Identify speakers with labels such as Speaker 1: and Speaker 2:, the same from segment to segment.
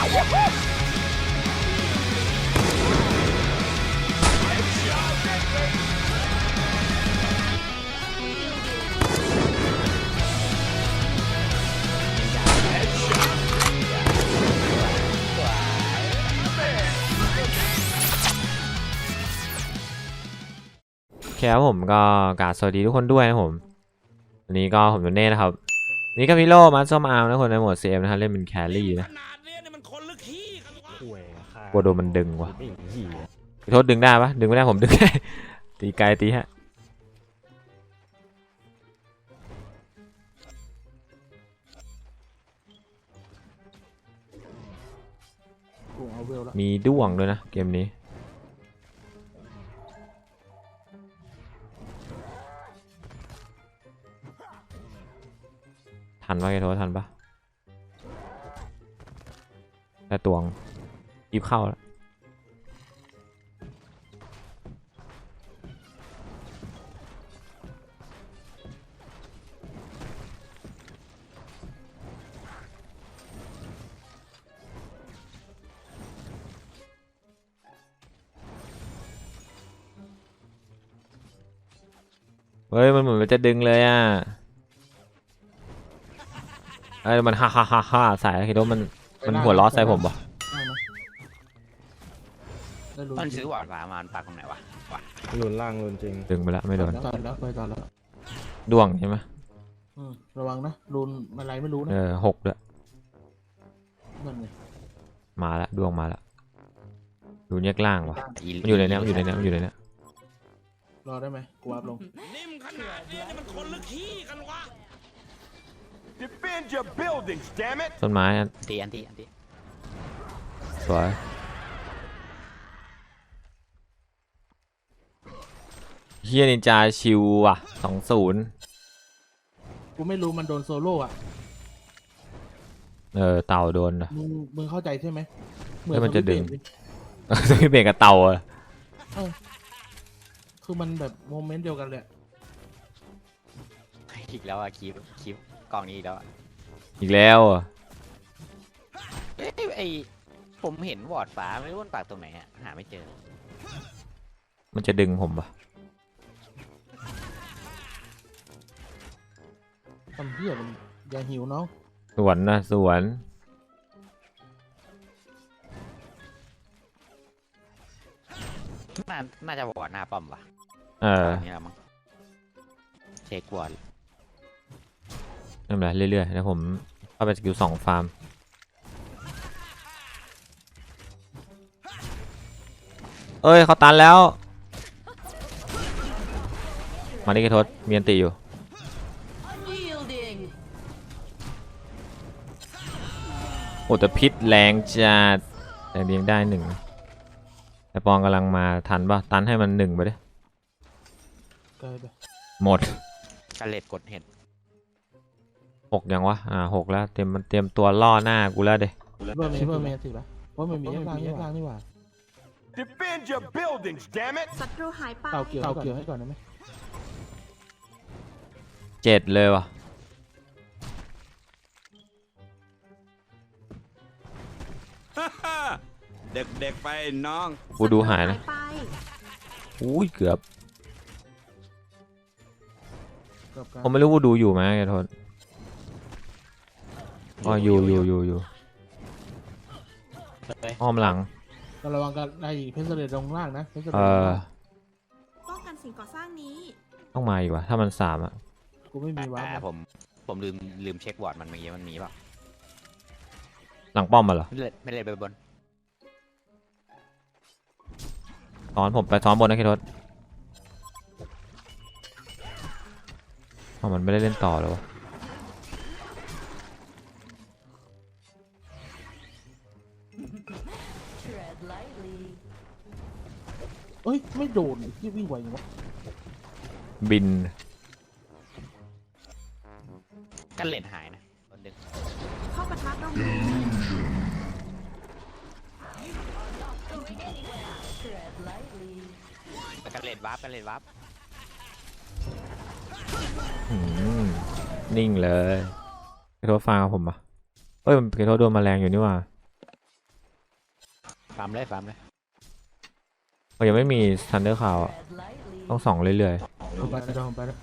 Speaker 1: ครับผมก็กราบสวัสดีทุกคนด้วยนะผมวันนี้ก็ผมโดเน่นะครับนี่ก็มิโลมาส้มอาร์มนะคนในโหมด CM นะฮะเล่นเป็นแครี่นะกลัวโดนมันดึงว่ะโทษดึงได้ปะดึงไม่ได้ผมดึงได้ตีไกลตีฮะมีด้วงด้วยนะเกมนี้ทันปะแกโทษทันปะแต่ตวงยิบเข้าแล้วเฮ้ยมันเหมือนมันจะดึงเลยอ่ะมันฮ่าฮ่าฮ่าฮ่าใส่คิดว่ามันหัวล้อใส่ผมปะ
Speaker 2: มันซื้อหวานฟ้ามาปักตรงไหนวะ
Speaker 3: หลุนล่างหลุนจริง
Speaker 1: ดึงไปแล้วไม่โดน
Speaker 4: ก่อนแล้วไปก่อนแล้ว
Speaker 1: ด้วงใช่ไหม
Speaker 4: ระวังนะรุนอะไรไม่รู้นะ
Speaker 1: 6ด้วย
Speaker 4: นั่นไง
Speaker 1: มาแล้วด้วงมาแล้วดูแยกล่างวะมันอยู่ในนี้มันอยู่ในนี้มันอยู่ในนี้
Speaker 4: รอได้ไหมกูอัพลง
Speaker 2: นิ่มขนาดนี้มันคนลึกขี้กันวะ
Speaker 5: Defend your buildings, damn it!
Speaker 1: ต้นไม้อัน
Speaker 2: ตี
Speaker 1: สวยเฮียนินจาชิวว่ะ20
Speaker 4: กูไม่รู้มันโดนโซโล่อะ
Speaker 1: เต่าโดนนะ
Speaker 4: มึงเข้าใจใช่ไหม
Speaker 1: เหมือนมันจะดึงสวิตช์เบรกกับเต่าอะ
Speaker 4: คือมันแบบโมเมนต์เดียวกันเลย
Speaker 2: อีกแล้วอะคลิปกล่องนี้อีกแล้ว
Speaker 1: อีกแล้วอะ
Speaker 2: ไอผมเห็นวอร์ดฟ้าไม่รู้มันปักตรงไหนอะหาไม่เจอ
Speaker 1: มันจะดึงผมปะ
Speaker 4: ทำเหี้ยมันอย่าหิวน้อง
Speaker 1: สวนนะสวน
Speaker 2: น่าจะวอร์ดหน้าป้อมวะนี่แหละมั้งเช็ควอร์ด
Speaker 1: นั่นแหละเรื่อยๆแล้วผมเข้าไปสกิล2ฟาร์มเอ้ยเขาตันแล้วมาดิกระทศมีอันติอยู่โอ้แต่พิษแรงจัดแต่เลี้ยงได้1แต่ปองกำลังมาทันป่ะตันให้มัน1ไปดิหมด
Speaker 2: กระเล็ดกดเห็ด
Speaker 1: 6ยังวะ6แล้วเตรียมตัวล่อหน้ากูแล้วเด้
Speaker 4: เบอร์เมย์สิปะว่ามันมีแยกล่างนี่หว่า
Speaker 5: Defend your buildings, damn it!
Speaker 6: ศัตรูหายไป
Speaker 4: เต่าเกี่ยวให้ก่อนได้ไหม
Speaker 1: 7เลยวะ
Speaker 5: เด็กๆไปน้อง
Speaker 1: กูดูหายนะอุ้ยเกือบผมไม่รู้ว่าดูอยู่ไหมไอ้ทนอยู่อ้อมหลัง
Speaker 4: ระวังกันไอ้เพชรเสด็จลงล่างนะ
Speaker 6: ป้องกันสิ่งก่อสร้างนี้
Speaker 1: ต้องมาอีกว่ะถ้ามัน3อ่ะ
Speaker 4: กูไม่มีวะ
Speaker 2: ผมลืมเช็ควอร์ดมันเมื่อกี้มันมีป่ะ
Speaker 1: หลังป้อมมาเหรอ
Speaker 2: ไม่เลยไปบน
Speaker 1: ผมไปซ้อนบนนะคิดทศมันไม่ได้เล่นต่อแล้ววะ
Speaker 4: เฮ้ยไม่โดนที่วิ่งไวอย่างวะ
Speaker 1: บิน
Speaker 2: กันเล่นหายนะ
Speaker 6: เข้าปะทะตรง
Speaker 2: กันเล่นวับ
Speaker 1: นิ่งเลยกระโดดฟังผมปะเอ้ยมันกระโดดโดนแมลงอยู่นี่ว่า
Speaker 2: ฟาร์มเลยฟาร์มเลย
Speaker 1: เขายังไม่มีทันเดอร์คาวต้องส่องเรื่อย
Speaker 4: ผมไปแล้วผมไปแล้ว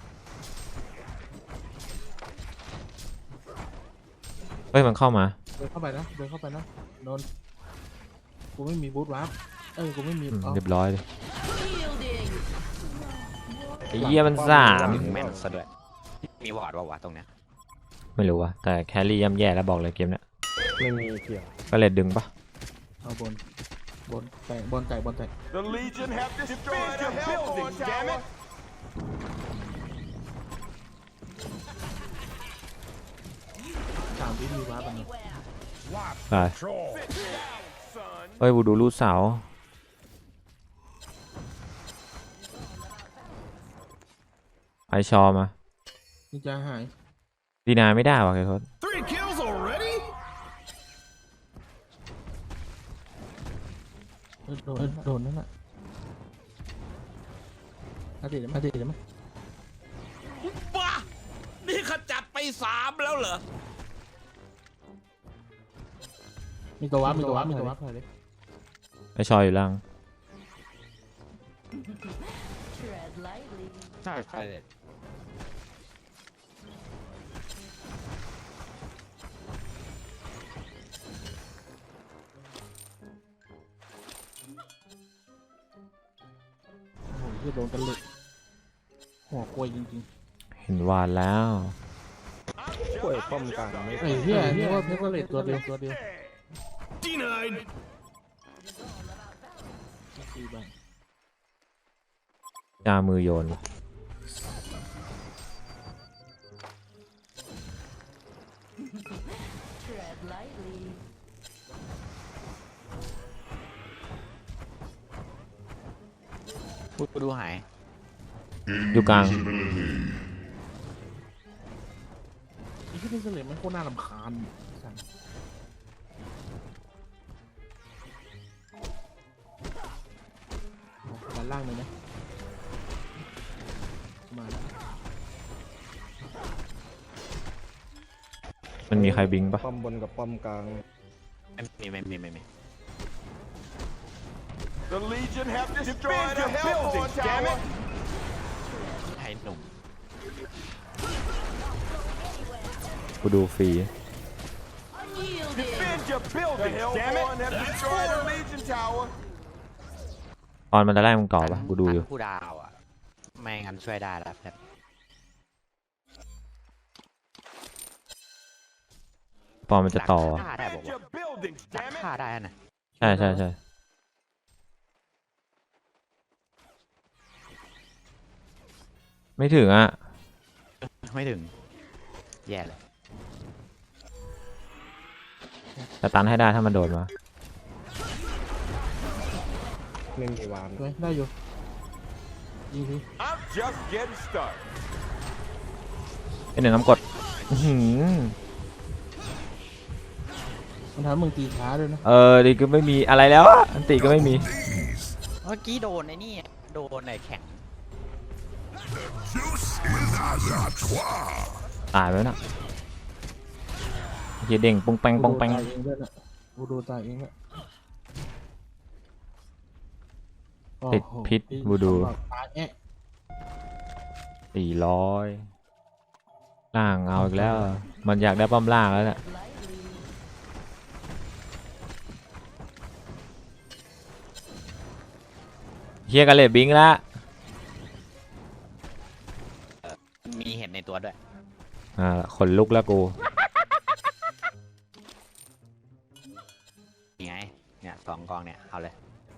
Speaker 1: ๆเฮ้ยมันเข้ามา
Speaker 4: เดินเข้าไปนะเดินเข้าไปนะโดนกูไม่มีบูทวาร์ปกูไม่มี
Speaker 1: เรียบร้อยเลยไอ้เหี้ยมันสาม
Speaker 2: ถึงแม่นซะด้วยมีวอร์ดวะตรงเนี้ย
Speaker 1: ไม่รู้ว่ะแต่แครี่ย่ำแย่แล้วบอกเลยเกมเนี้ย
Speaker 3: ไม่มีเกี่ยว
Speaker 1: ก็เลยดึงปะ
Speaker 4: เอาบนไก่บนไก่
Speaker 5: The Legion have destroyed your buildings, damn it!
Speaker 4: 3 วิมีวาร์ปมัน
Speaker 1: ไปเฮ้ยบูดูรูดเสาไอชอมา
Speaker 4: นี่จะหาย
Speaker 1: ดีนาไม่ได้ว่ะเคทศ
Speaker 5: 3 kills already?
Speaker 4: โดนนั่นน่ะอาทิตย์ได้ไหม
Speaker 5: บ้า นี่ขจัดไป3แล้วเหรอ
Speaker 4: มีตัววาร์ปเลย
Speaker 1: ไอชออยู่ล่าง
Speaker 2: ใช่ใช่เลย
Speaker 4: โอ้โหที่โดนกันเลยหัวกลวยจริง
Speaker 1: เห็นวานแล้ว
Speaker 3: กล้วยป้อมกลางไม่
Speaker 4: ๆไอ้เหี้ยนี่ว่าเพชรเลตตัวเดียว
Speaker 5: Denied.
Speaker 4: ตีบ้าง
Speaker 1: จามือโยน
Speaker 2: พูดดูหาย
Speaker 1: อยู่กลาง
Speaker 4: ไอ้ที่เพชรเลตมันโคตรน่ารำคาญสั่งด้านล่างเลยนะมาแล้ว
Speaker 1: มันมีใครบิงปะ
Speaker 3: ป้อมบนกับป้อมกลาง
Speaker 2: ไม่มี
Speaker 5: The Legion have destroyed your buildings, damn it!
Speaker 2: ให้หนุ่ม
Speaker 1: กูดูฟรี
Speaker 5: Defend your buildings, damn it! Have destroyed the Legion Tower.
Speaker 1: ตอนมันจะไล่มึงต่อปะกูดูอยู่
Speaker 2: ผู้ดาวอ่ะไม่งั้นช่วยได้แล้วครับ
Speaker 1: ปอนมันจะต่อ
Speaker 2: ฆ่าได้บอก
Speaker 5: Defend
Speaker 2: ว่า
Speaker 5: your buildings, damn it!
Speaker 2: ฆ่าได้นะ
Speaker 1: ใช่ไม่ถึงอ่ะ
Speaker 2: ไม่ถึงแย่เลย
Speaker 1: แต่ตันให้ได้ถ้ามันโดดมา
Speaker 3: ไม่มีวาน
Speaker 4: ได้อยู่ยิงที
Speaker 5: I'm just getting started.
Speaker 1: เป็นหนึ่งน้ำกดอื้อหือ
Speaker 4: มันทำให้มึงตีช้าด้วยนะ
Speaker 1: ดีก็ไม่มีอะไรแล้วอะอันติก็ไม่มี
Speaker 2: เมื่อกี้โดนไอ้นี่โดนไอ้แข็ง
Speaker 1: ตายไปแล้วนะเฮียเด้งปงแปงปงแปง
Speaker 4: ตายเองด้วยนะกูดูตายเองละ
Speaker 1: ติดพิษบูดู
Speaker 4: ตายแอะ
Speaker 1: 400ล่างเอาอีกแล้ว มันอยากได้ป้อมล่างแล้วเนี่ยเฮียกันเลยบิงละ
Speaker 2: มีเห็นในตัวด้วย
Speaker 1: ขนลุกแล้วกู
Speaker 2: ยังไงเนี่ย2 กองเนี่ยเอาเลย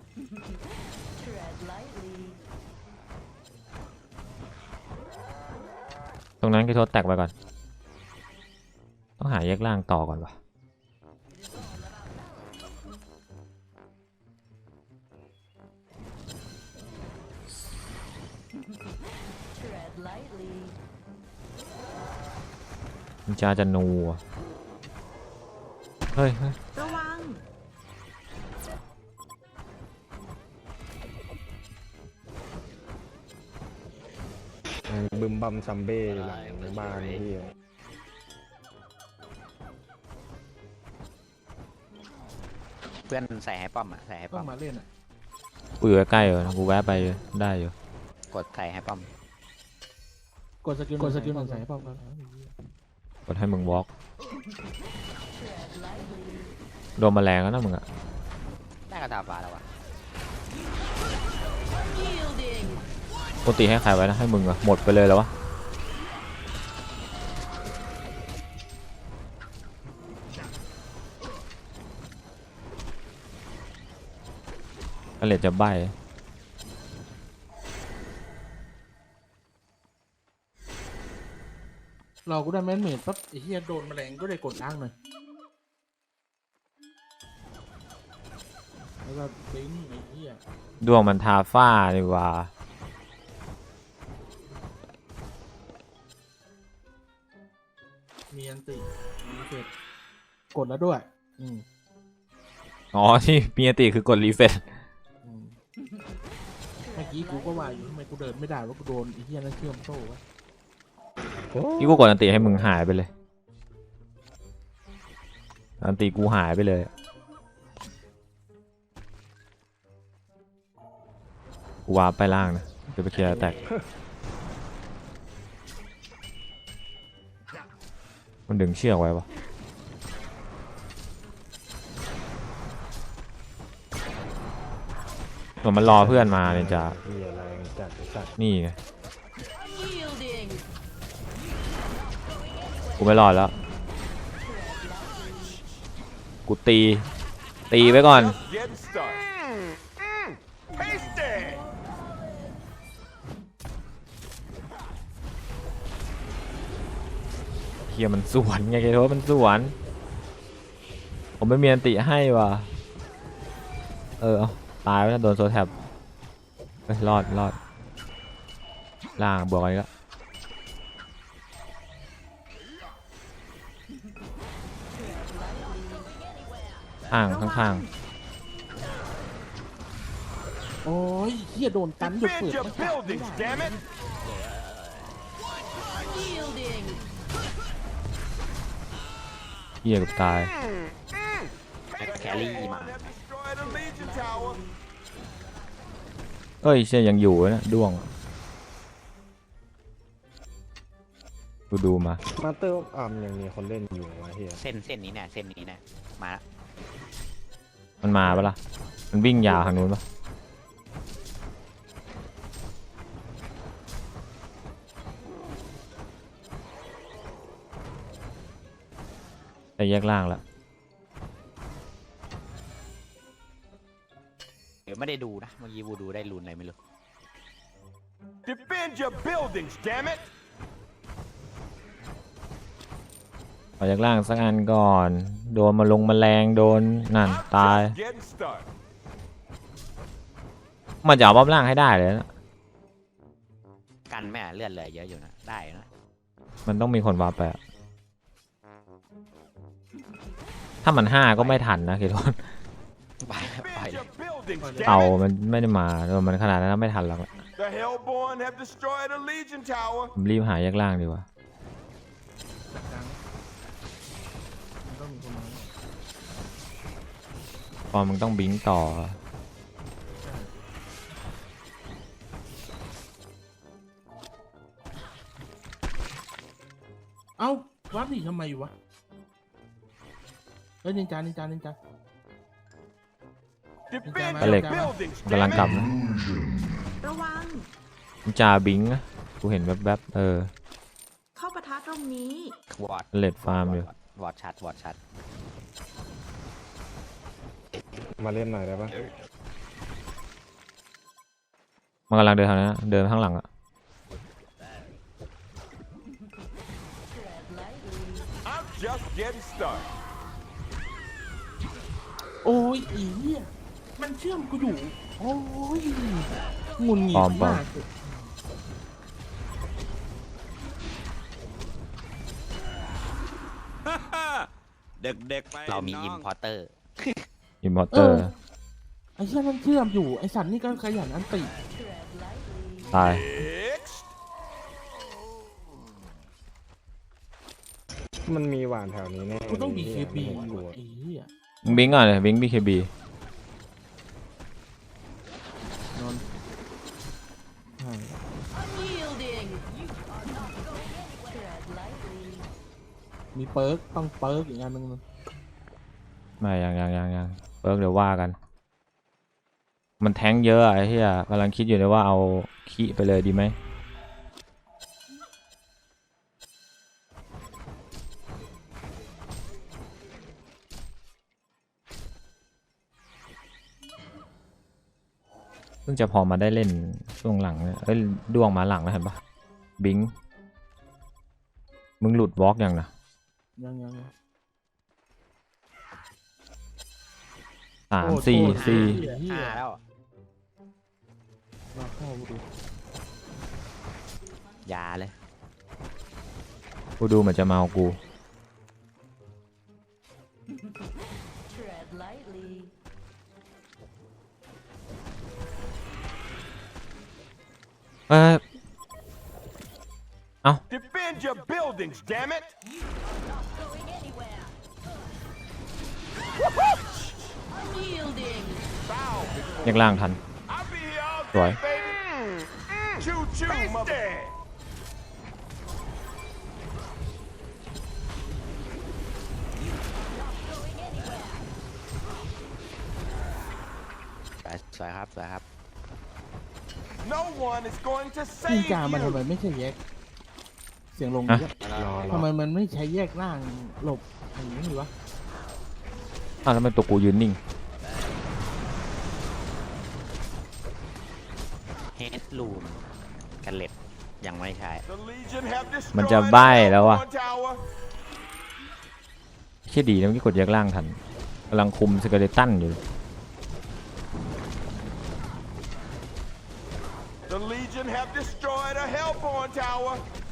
Speaker 1: ตรงนั้นคือโทษแตกไปก่อน ต้องหาแยกล่างต่อก่อนวะมันจะนูอะเฮ้ย
Speaker 6: ระวัง
Speaker 3: บึมบัมซัมเบ้อยู่หลังบ้านที่
Speaker 1: ม
Speaker 2: เพื่อนใส่ให้ป้อมอ่ะใส่ให้
Speaker 4: ต้
Speaker 2: ป้
Speaker 4: อ
Speaker 2: อง ม
Speaker 4: มาเล่นอ่ะ
Speaker 1: กูอยู่ใกล้ๆอยู่นะกูแวะไปได้อยู่
Speaker 2: กดใส่ให้ป้อม
Speaker 4: กดสกิลหนึ่งใส่ป้อมกัน
Speaker 1: กดให้มึงวอล์กโดนแมลงแล้วนะมึงอะ
Speaker 2: ได้กระดาษฟ้าแล้ววะ
Speaker 1: ปกติให้ใครไว้นะให้มึงอะหมดไปเลยแล้ววะก็เลยจะใบ
Speaker 4: เรากูได้แมนเมดปั๊บไอ้เหี้ยโดนแมลงก็ได้กดล้างหน่อยแล้วก็ปิ้งไอ้เหี้ย
Speaker 1: ดวงมันทาฝ้าดีกว่า
Speaker 4: มีอันติมีเสร็จกดแล้วด้วย
Speaker 1: อ๋อที่มีอันติคือกดรีเฟรช
Speaker 4: อืมเมื่อกี้กูก็ว่าอยู่ทำไมกูเดินไม่ได้ว่ากูโดนไอ้เหี้ยนั่นเชื่อมโซ่วะ
Speaker 1: ที่กูกดอันติให้มึงหายไปเลยอันติกูหายไปเลยกูวาร์ปไปล่างนะจะไปเคลียร์แตกมันดึงเชือกไว้ปะส่วนมันรอเพื่อนมาเนี่ยจ้ะ
Speaker 3: เหี้ยแรงจัดไอ้สัตว์
Speaker 1: นี่ไงกูไม่รอดแล้ว กูตีไว้ก่อน
Speaker 5: Get started. Tasty.
Speaker 1: เฮียมันสวนไงไอ้โทษมันสวนผมไม่มีอันติให้ว่ะเอาตายไปแล้วโดนโซแท็บรอดล่างบวกอะไรก็ข้าง
Speaker 4: โอ้ยเหี้ยโดนตันหยุดเปิด
Speaker 5: Defend your
Speaker 4: ไม่ได้
Speaker 5: buildings, damn it.
Speaker 1: เฮียกับตาย
Speaker 2: แครี่มา
Speaker 5: Have destroyed a Legion tower.
Speaker 1: เอ้ยเชี่ยยังอยู่นะด้วงกูดูมา
Speaker 3: มาเตอร์อัมยังมีคนเล่นอยู่วะเฮีย
Speaker 2: เส้นนี้เนี่ยเส้นนี้เนี่ยมาละ
Speaker 1: มันมาปะล่ะมันวิ่งยาวทางนู้นปะแต่แยกล่างแล้ว
Speaker 2: เดี๋ยวไม่ได้ดูนะเมื่อกี้วูดูได้รูนอะไรไม่รู้
Speaker 5: Defend your buildings, damn it.
Speaker 1: ขอจากล่างสักอันก่อน โดนมาลงแมลงโดนนั่น
Speaker 5: I'm
Speaker 1: ตาย
Speaker 5: just getting started.
Speaker 1: มันจะเอาป้อมล่างให้ได้เลยนะ
Speaker 2: กันแม่เลือดเหลือเยอะอยู่นะได้นะ
Speaker 1: มันต้องมีคนวาร์ปไปอะถ้ามัน5ก็ไม่ทันนะคิดว่า
Speaker 2: ไป
Speaker 5: Defend
Speaker 2: เลย
Speaker 5: your buildings,
Speaker 1: เต่า
Speaker 5: damn it.
Speaker 1: มันไม่ได้มามันขนาดนั้นไม่ทันหรอก
Speaker 5: The Hellborn have destroyed a Legion tower.
Speaker 1: ผมรีบหาแยกล่างดีกว่า
Speaker 4: จัดการมันต้องมีคนมา
Speaker 1: พอมึงต้องบิงต่อ
Speaker 4: เอ้าวัดหนีทำไมวะเฮ้ยนินจา
Speaker 5: Defend
Speaker 1: Alex.
Speaker 5: your buildings,
Speaker 1: กำลัง
Speaker 5: damn
Speaker 1: กลับ
Speaker 5: it.
Speaker 1: นะ
Speaker 6: ระวัง
Speaker 1: มันจาบิงนะกูเห็นแวบๆ
Speaker 6: เข้าปะทะตรงนี้
Speaker 2: วอร์ด
Speaker 1: เลดฟาร์มอยู่
Speaker 2: วอร์ดชัด
Speaker 3: มาเล่นหน่อยได้ปะ
Speaker 1: มันกำลังเดินทางนั้นนะเดินข้างหลังอะ
Speaker 5: I'm just getting started.
Speaker 4: โอ้ยอีเหี้ยมันเชื่อมกูอยู่โอ้ยหงุนหงิดมาก
Speaker 5: เด็กๆไป
Speaker 2: เรามี
Speaker 5: น้
Speaker 2: อิ
Speaker 5: อ
Speaker 2: ม
Speaker 5: ง
Speaker 2: พอร์เตอร์
Speaker 1: อิมพอร์เตอร์
Speaker 4: ไอ้เหี้ยมันเชื่อมอยู่ไอ้สันนี่ก็ขยันอันติ
Speaker 1: ตาย
Speaker 5: Next.
Speaker 3: มันมีหวานแถวนี้แน่
Speaker 4: กูต้อง
Speaker 3: เลย
Speaker 4: BKB
Speaker 3: เหี้ย
Speaker 4: อยู่ไอ้เหี้ย
Speaker 1: มึงบิงก่อนเลยบิง BKB
Speaker 4: นอนใช่มีเปิร์กต้องเปิร์กอีกอันนึงมัน
Speaker 1: ไม่ยังเปิร์กเดี๋ยวว่ากัน มันแท้งเยอะอะไอ้เหี้ยกำลังคิดอยู่เลยว่าเอาขี้ไปเลยดีไหมเพิ่งจะพอมาได้เล่นช่วงหลังเนี่ยเอ้ยด้วงมาหลังแล้วเห็นปะบิงมึงหลุดวอล์กยังนะ
Speaker 4: ยัง
Speaker 1: 3 4 4
Speaker 4: เหี้ย
Speaker 2: แล้ว
Speaker 4: มาเข้าดู
Speaker 2: อย่าเลย
Speaker 1: กูดูเหมือนจะเมากูเอ้ย
Speaker 5: Defend your buildings, damn it!
Speaker 1: แยกล่างทัน
Speaker 5: I'll be here all
Speaker 1: Rồi.
Speaker 5: day, baby. Choo choo, mother.
Speaker 2: สวยครับสวยครับ
Speaker 5: No one is going to
Speaker 4: นิน
Speaker 5: save
Speaker 4: จามันทำไม
Speaker 5: you.
Speaker 4: ไม่ใช่แยก เสียงลง
Speaker 1: ฮะ
Speaker 4: เยอะ
Speaker 3: รอ
Speaker 4: ทำไมมันไม่ใช้แยกล่างหลบอย่างนี้วะ
Speaker 1: อ้าวแล้วทำไมตัวกูยืนนิ่ง
Speaker 2: เฮดลูมกันเล็บยังไม่ใช่
Speaker 5: The Legion have
Speaker 1: มันจะ
Speaker 5: destroyed
Speaker 1: ใบ้แล้ว
Speaker 5: the
Speaker 1: วะ
Speaker 5: Hellborn Tower.
Speaker 1: แค่ดีนะเมื่อกี้กดแยกล่างทันกำลังคุมสเกเลตันอยู่
Speaker 5: The Legion have destroyed a Hellborn Tower.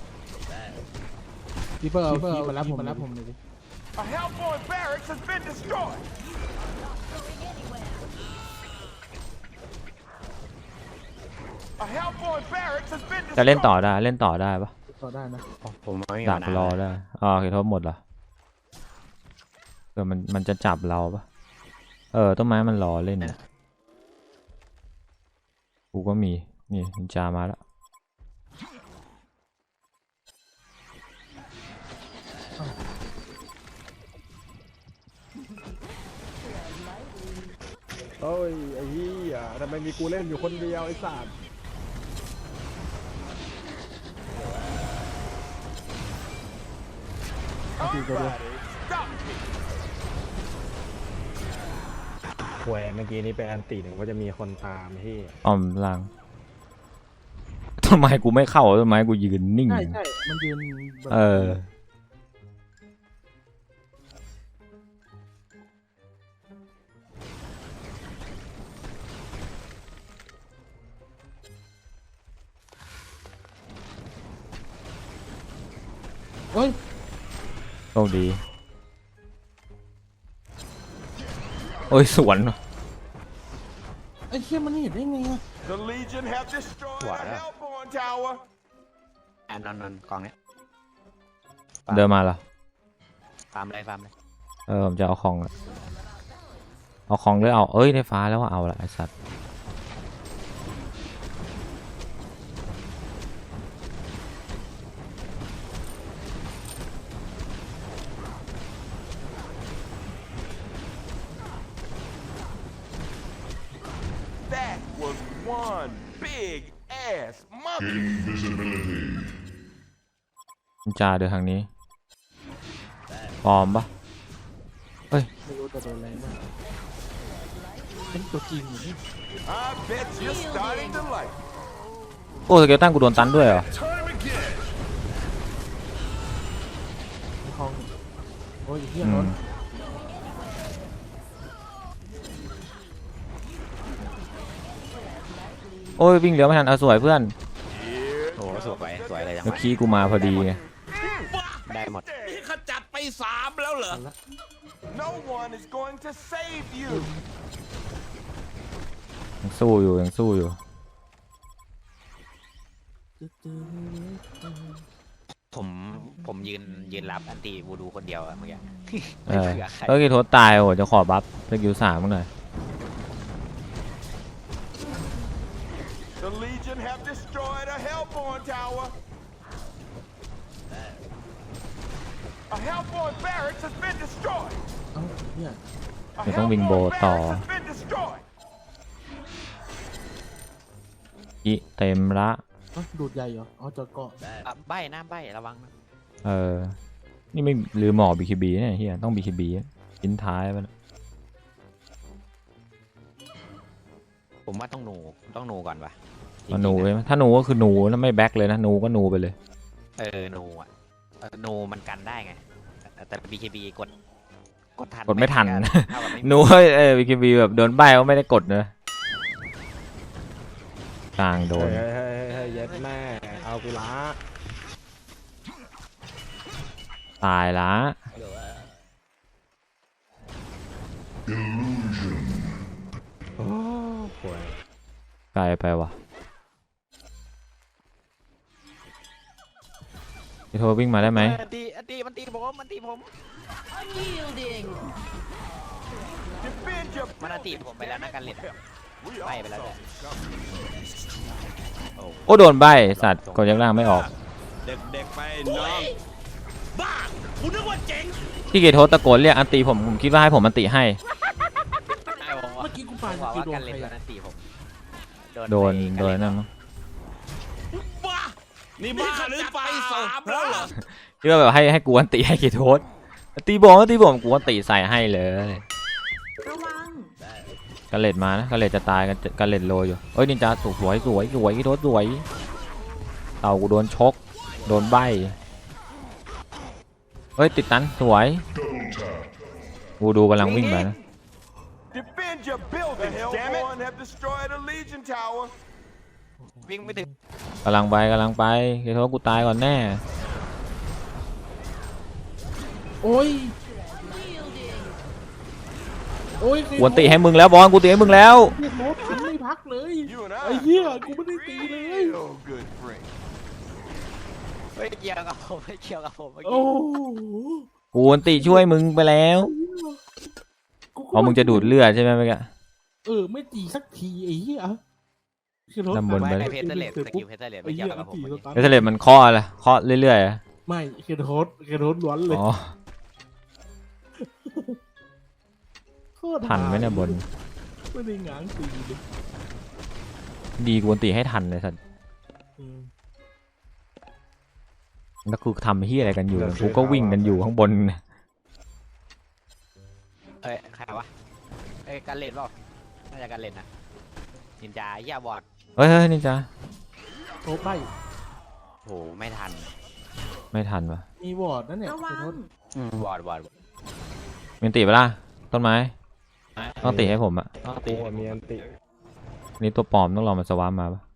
Speaker 4: พี่เฟิร์เอามารับผมเลยดิ
Speaker 5: A Hellborn barracks has been destroyed. A Hellborn barracks has been
Speaker 1: จะเล่นต่อ
Speaker 5: destroyed.
Speaker 1: ได้เล่นต่อได้ปะ
Speaker 4: ต่อได้นะ
Speaker 2: ผมไม่มี
Speaker 1: ดัก
Speaker 2: ปัญหาร
Speaker 1: อได้อ๋อโอเคโทษหมดเหรอมันจะจับเราปะต้นไม้มันรอเล่นนะกูก็มีนี่นินจามาแล้ว
Speaker 3: เอ้ยไอ้เหี้ยทำไมมีกูเล่นอยู่คนเดียวไอ้สัตว์
Speaker 5: Everybody, stop.
Speaker 3: แหวเมื่อกี้นี้ไปอันตีหนึ่งว่าจะมีคนตามพี่
Speaker 1: อ้อมล่างต้นไม้กูไม่เข้าต้นไม้กูยืนนิ่ง
Speaker 4: ใช่มันยืนแบบ เฮ้ย
Speaker 1: โชคดีโอ้ยสวนว่ะ
Speaker 4: ไอ้เชี่ยมันเห็นได้ไงอะ
Speaker 5: The Legion have destroyed
Speaker 2: What?
Speaker 5: a Hellborn Tower.
Speaker 2: แอนนอนกองเนี้ย
Speaker 1: เดินมาเหรอ
Speaker 2: ฟาร์มเลย
Speaker 1: ผมจะเอาของหรือเอาเอ้ยได้ฟ้าแล้วว่าเอาละไอสัตว์
Speaker 5: That was one big ass monkey.
Speaker 1: นินจาเดินทางนี้ปลอมปะ
Speaker 4: ไม่รู้แต่โดนแรงมากเป็นตัวจริงอยู่นี่
Speaker 5: I bet you're starting to like it.
Speaker 1: โอ้สเกลตันกูโดนตันด้วยเหรอ
Speaker 4: ในห้องโอ้ยไอ้เหี้ย
Speaker 1: อื
Speaker 4: ร
Speaker 1: ม
Speaker 4: ถ
Speaker 1: โอ้ยวิ่งเหลือไม่ทันเอาสวยเพื่อน
Speaker 2: โอ้โหสวยเลยจัง
Speaker 1: เมื่
Speaker 2: ห
Speaker 1: อ
Speaker 2: วะ
Speaker 1: กี้กูมาพอดีไง
Speaker 2: ได้หมด
Speaker 5: นี่ขจัดไป3แล้วเหรอ No one is going to save you.
Speaker 1: ยังสู้อยู่
Speaker 2: ผมยืนรับอันตีวูดูคนเดียวอะเมื่อกี้
Speaker 1: เอ
Speaker 2: ไม่
Speaker 1: อ
Speaker 2: เผื่อใคร
Speaker 1: ก็กี่โทษตายโอ้โหจะขอบัฟสกิล3มึงหน่อย
Speaker 5: The Legion have destroyed a Hellborn tower. A Hellborn barracks has been destroyed.
Speaker 4: เอ้าเนี่ย
Speaker 5: A
Speaker 1: เดี๋ยวต้องวิงโบ
Speaker 5: Hellborn
Speaker 1: ต่อ
Speaker 5: barracks has been destroyed.
Speaker 1: อีเต็มละ
Speaker 4: เอ้าดูดใหญ่เหรออ๋อจอดเกาะ
Speaker 2: ใบนะใบระวังนะ
Speaker 1: เออนี่ไม่ลืมหมอ BKB เนี่ยเฮียต้อง BKB ชิ้นท้ายไป
Speaker 2: ผมว่าต้องหนูก่อนว่ะ
Speaker 1: เอาหนูเลยไหมถ้าหนูก็คือหนูแล้วไม่แบ็คเลยนะหนูก็หนูไปเลย
Speaker 2: หนูอ่ะหนูมันกันได้ไงแต่ BKB กดทัน
Speaker 1: กดไม่ทัน
Speaker 2: เท่ากับไม่มี
Speaker 1: หนูBKB แบบโดนใบก็ไม่ได้กดนะกลางโดน
Speaker 3: เฮ้ยเย็ดแม่เอากูละ
Speaker 1: ตายละ
Speaker 3: โอ้ป่วย
Speaker 1: ไกลไปว่ะพี่โทรวิ่งมาได้ไหม
Speaker 2: อันตีมันตีผม
Speaker 5: Defend your
Speaker 2: มันอันตีผมไปแล้วนะกันเล็ดใบไปแล้วด้วย
Speaker 1: โอ้โดนใบสัตว์กดยังล่างไม่ออก
Speaker 5: เด็กๆไปน้องบ้ากูนึกว่าเจ๋ง
Speaker 1: ที่เกโทตะโกนเรียกอันตีผมคิดว่าให้ผมอันตีให้
Speaker 4: เมื่อกี้กูปา
Speaker 2: บอก
Speaker 4: สกิ
Speaker 2: ว่า
Speaker 4: ลโด
Speaker 2: กัน น
Speaker 4: ใค
Speaker 2: เล็
Speaker 4: ร
Speaker 2: ด
Speaker 4: อะ
Speaker 2: อันตีผม
Speaker 1: โดน
Speaker 2: ไปกั
Speaker 1: นั่นมั้ง
Speaker 5: บ้านี่บ้าหรือเปล่าแล้วเหรอ
Speaker 1: คิดว่าแบบให้กูอันตีให้เกโทสตีผมกูอันตีใส่ให้เลย
Speaker 6: ระวัง
Speaker 1: กระเล็ดมานะกระเล็ดจะตายกันกระเล็ดโรยอยู่เอ้ยนินจาสวยเกโทสสวยเต่ากูโดนชกโดนใบเฮ้ยติดตันสวยกูดูกำลังวิ่งไปนะ
Speaker 5: Defend your buildings, damn it! Hellborn have destroyed a Legion tower.
Speaker 2: วิ่งไม่ถึง
Speaker 1: กำลังไปเกโทสกูตายก่อนแน่
Speaker 4: โอ้ยโอ้ย
Speaker 1: กูอันตีให้มึงแล้วบอลกูตีให้มึงแล้ว
Speaker 4: เฮียโน้ตทันไม่พักเลย
Speaker 5: You and
Speaker 4: ไอ้
Speaker 5: I
Speaker 4: เหี้ยกูไม่ได้ตีเลย
Speaker 5: real good friends.
Speaker 2: ไม่เกี่ยวกับผมเมื่อกี้
Speaker 4: โอ้โห
Speaker 1: กูอันตีช่วยมึงไปแล้วเพราะมึงจะดูดเลือดใช่ไหมเมื่อกี้
Speaker 4: ไม่ตีสักทีไอ้เหี้ยคือรถ
Speaker 1: นำบน
Speaker 2: ไม่
Speaker 1: ไป
Speaker 2: เพชรเลดสกิลเพชรเลดไม่เกี่ยวกับผม
Speaker 1: เอสเลตมันเคาะอะไรเคาะเรื่อยๆอะ
Speaker 4: ไม่คือโน้ตล้วนเลย
Speaker 1: อ๋อทันไหมเนี่ยบน
Speaker 4: ไม่ได้ง้างตีเลย
Speaker 1: ดีกูอันตีให้ทันเลยสัตว์แล้วกูทำเฮียอะไรกันอยู่กูก็วิ่งกันอยู่ข้างบน
Speaker 2: ใครวะกันเล็ดเปล่าน่าจะกันเล็ดนะนินจาเหี้ยบอด
Speaker 1: เฮ้ยนี่จ้า
Speaker 4: โน้ตไป
Speaker 2: โหไม่ทัน
Speaker 1: ไม่ทันวะ
Speaker 4: มีวอร์ดนั่นเนี่ย
Speaker 6: ระวัง
Speaker 2: บอด
Speaker 1: มีอันตีปะล่ะต้นไม้ต้องตีให้ผมอะ
Speaker 3: กูมีอันติ
Speaker 1: นี่ตัวปลอมต้องรอมันสวาร์ปมาปะ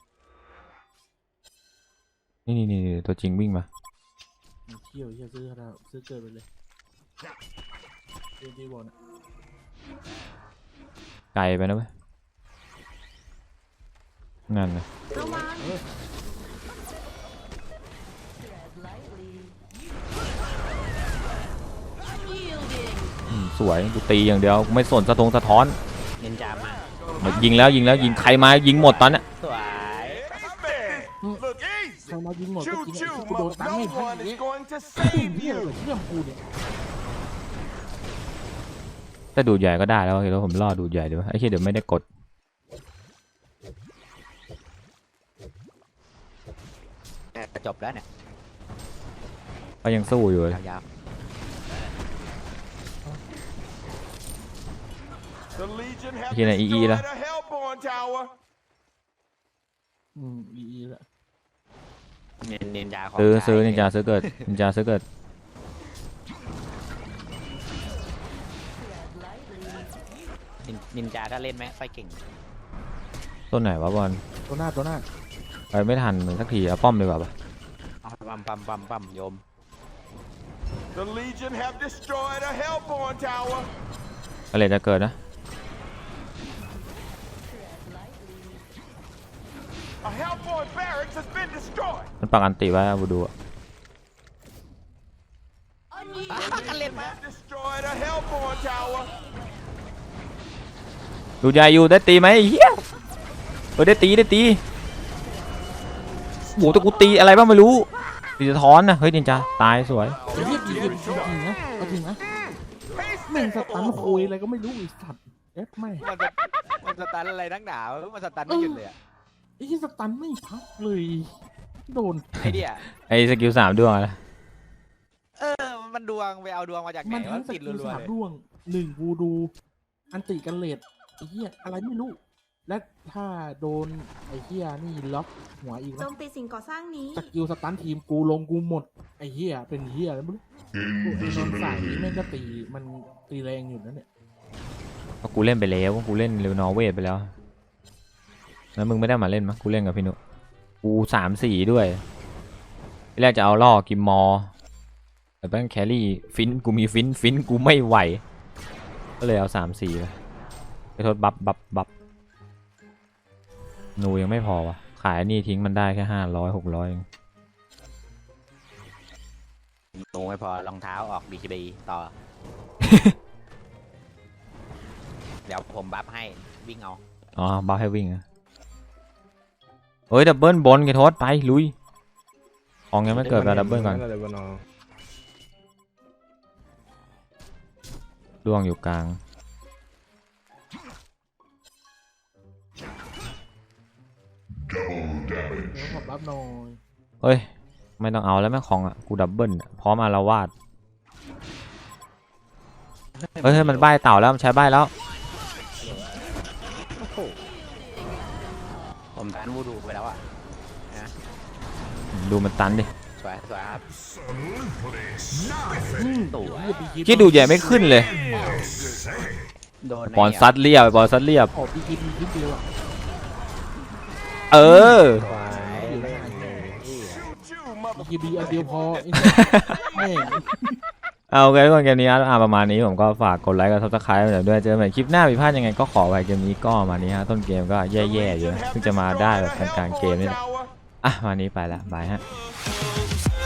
Speaker 1: นี่ตัวจริงวิ่งมา
Speaker 4: เที่ยวเที่ยวซื้อขนาดซื้อเกินไปเลยดีวอร์ด
Speaker 1: ไกลไปนะเว้ยงั้นนะ
Speaker 6: ระวัง
Speaker 1: สวยกูตีอย่างเดียวกูไม่สนสะท้อน
Speaker 2: นินจามา
Speaker 1: มายิงแล้วยิงใครมายิงหมดตอนเนี้ย
Speaker 2: สวย
Speaker 5: Look
Speaker 4: ใคร
Speaker 5: easy.
Speaker 4: มายิงหมดก็
Speaker 5: Choo
Speaker 4: จริง
Speaker 5: choo,
Speaker 4: กูโดนตั้ง
Speaker 5: no
Speaker 4: ให้พัน
Speaker 5: one
Speaker 4: อย่าง
Speaker 5: is
Speaker 4: เงี้ย
Speaker 5: going to
Speaker 4: เหี้ย
Speaker 5: save
Speaker 4: อะไร
Speaker 5: you.
Speaker 4: เรื่องกูเนี่ย
Speaker 1: แต่ดูดใหญ่ก็ได้แล้วเห็นว่าผมรอดูดใหญ่ดีวะไอ้เหี้ยเดี๋ยวไม่ได้กด
Speaker 2: จบแล้วเนี่ย
Speaker 1: ก็ยังสู้อยู่เลย
Speaker 2: ยาว
Speaker 5: The Legion have
Speaker 1: Cái này y y đó.
Speaker 5: destroyed a Hellborn tower.
Speaker 4: อีละ
Speaker 2: ๆนินจาของ
Speaker 1: ซื้อนินจาซื้อเกิดนินจาซื้อเกิด
Speaker 2: นินจาก็เล่นไหมไฟเก่ง
Speaker 1: ต้นไหนวะบอล
Speaker 4: ตัวหน้า
Speaker 1: ไปไม่ทันสักทีเอาป้อมดีกว่าปะ
Speaker 2: ปั๊มโยม
Speaker 5: The Legion have destroyed a Hellborn tower.
Speaker 1: อะไรจะเกิดนะ
Speaker 5: A Hellborn barracks has been destroyed.
Speaker 1: มันปักอันติไว้อะบูดูอะดูใหญ่อยู่ได้ตีไหมไอ้เฮียได้ตีโอ้โหแต่กูตีอะไรบ้างไม่รู้ตีสะท้อนนะเฮ้ยนินจาตายสวย
Speaker 4: ไอ้เหี้ยจริงนะเอาจริงนะแม่งสตันคุยอะไรก็ไม่รู้ไอ้สัตว์เอ๊ะไม่
Speaker 2: มันสตันอะไรนักหนามันสตันไม่หยุดเลยอะ
Speaker 4: ไอ้เหี้ยสตันไม่พักเลยโดน
Speaker 2: ไอ้เดีย
Speaker 1: ไอ้สกิล3ดวงอะไร
Speaker 2: มันดวงไปเอาดวงมาจากไหน
Speaker 4: มันทั้
Speaker 2: วะ
Speaker 4: งส
Speaker 2: ติด
Speaker 4: กิล
Speaker 2: รัว
Speaker 4: สา
Speaker 2: ๆ
Speaker 4: ม
Speaker 2: เลย
Speaker 4: ร่วง1วูดูอันติกันเลดไอ้เหี้ยอะไรไม่รู้ และถ้าโดนไอ้เหี้ยนี่ล็อกหัวอีก
Speaker 6: โจ
Speaker 4: นะ
Speaker 6: มตีสิ่งก่อสร้างนี้
Speaker 4: สกิลสตันทีมกูลงกูหมดไอ้เหี้ยเป็นเหี้ยแล้วไม่รู้กูไอ้นนท์สายนี่แม่งก็ตีมันตีแรงอยู่นะเนี่ย
Speaker 1: เพราะกูเล่นไปแล้วกูเล่นเรวนอร์เวทไปแล้วแล้วมึงไม่ได้มาเล่นมั้ยกูเล่นกับพี่นุกู3-4ด้วยที่แรกจะเอาล่อกิมมอร์แต่แม่งแครี่ฟินกูมีฟินกูไม่ไหวก็เลยเอา3-4ไปโทษบัฟหนูยังไม่พอวะขายนี่ทิ้งมันได้แค่500-600เอง
Speaker 2: หนูไม่พอรองเท้าออกBKB ต่อ เดี๋ยวผมบัฟให้วิ่งเอา
Speaker 1: อ๋อบัฟให้วิ่งอะเฮ้ยดับเบิลบนไอ้โทษไปลุยของยังไม่เกิดแบบดับเบิลก่อน
Speaker 3: อะไรวะน้อง
Speaker 1: ดวงอยู่กลาง
Speaker 4: เดี๋ยวขอบัฟหน่อย
Speaker 1: เฮ้ยไม่ต้องเอาแล้วแม่งของอ่ะกูดับเบิลอะพร้อมอารวาสเฮ้ยมันใบ้เต่าแล้วมันใช้ใบ้แล้ว
Speaker 2: ผมตันวูดูไปแล้วอ่ะ
Speaker 1: ดูมันตันดิ
Speaker 2: สวยครับ
Speaker 4: ตัวเหี้ย BKB
Speaker 1: คิดดูใหญ่ไม่ขึ้นเลย
Speaker 2: โดน
Speaker 1: บอลซัดเรียบบอลซัดเรียบ
Speaker 4: ขอ BKB นิดเดียวอะ
Speaker 1: เออ
Speaker 3: ควายเล่นเลยเหี้ย
Speaker 4: BKB อันเดียวพอไอ้แม่ง
Speaker 1: เอาโอเคทุกคนเกมนี้ประมาณนี้ผมก็ฝากกดไลค์กับซับสไครต์ด้วยเจอกันใหม่คลิปหน้าผิดพลาดยังไงก็ขอไว้เกมนี้ก็ประมาณนี้ฮะต้นเกมก็แย่ๆอยู่เพิ่งจะมาได้แบบกลางๆเกมนี่แหละวันนี้ไปละบายฮะ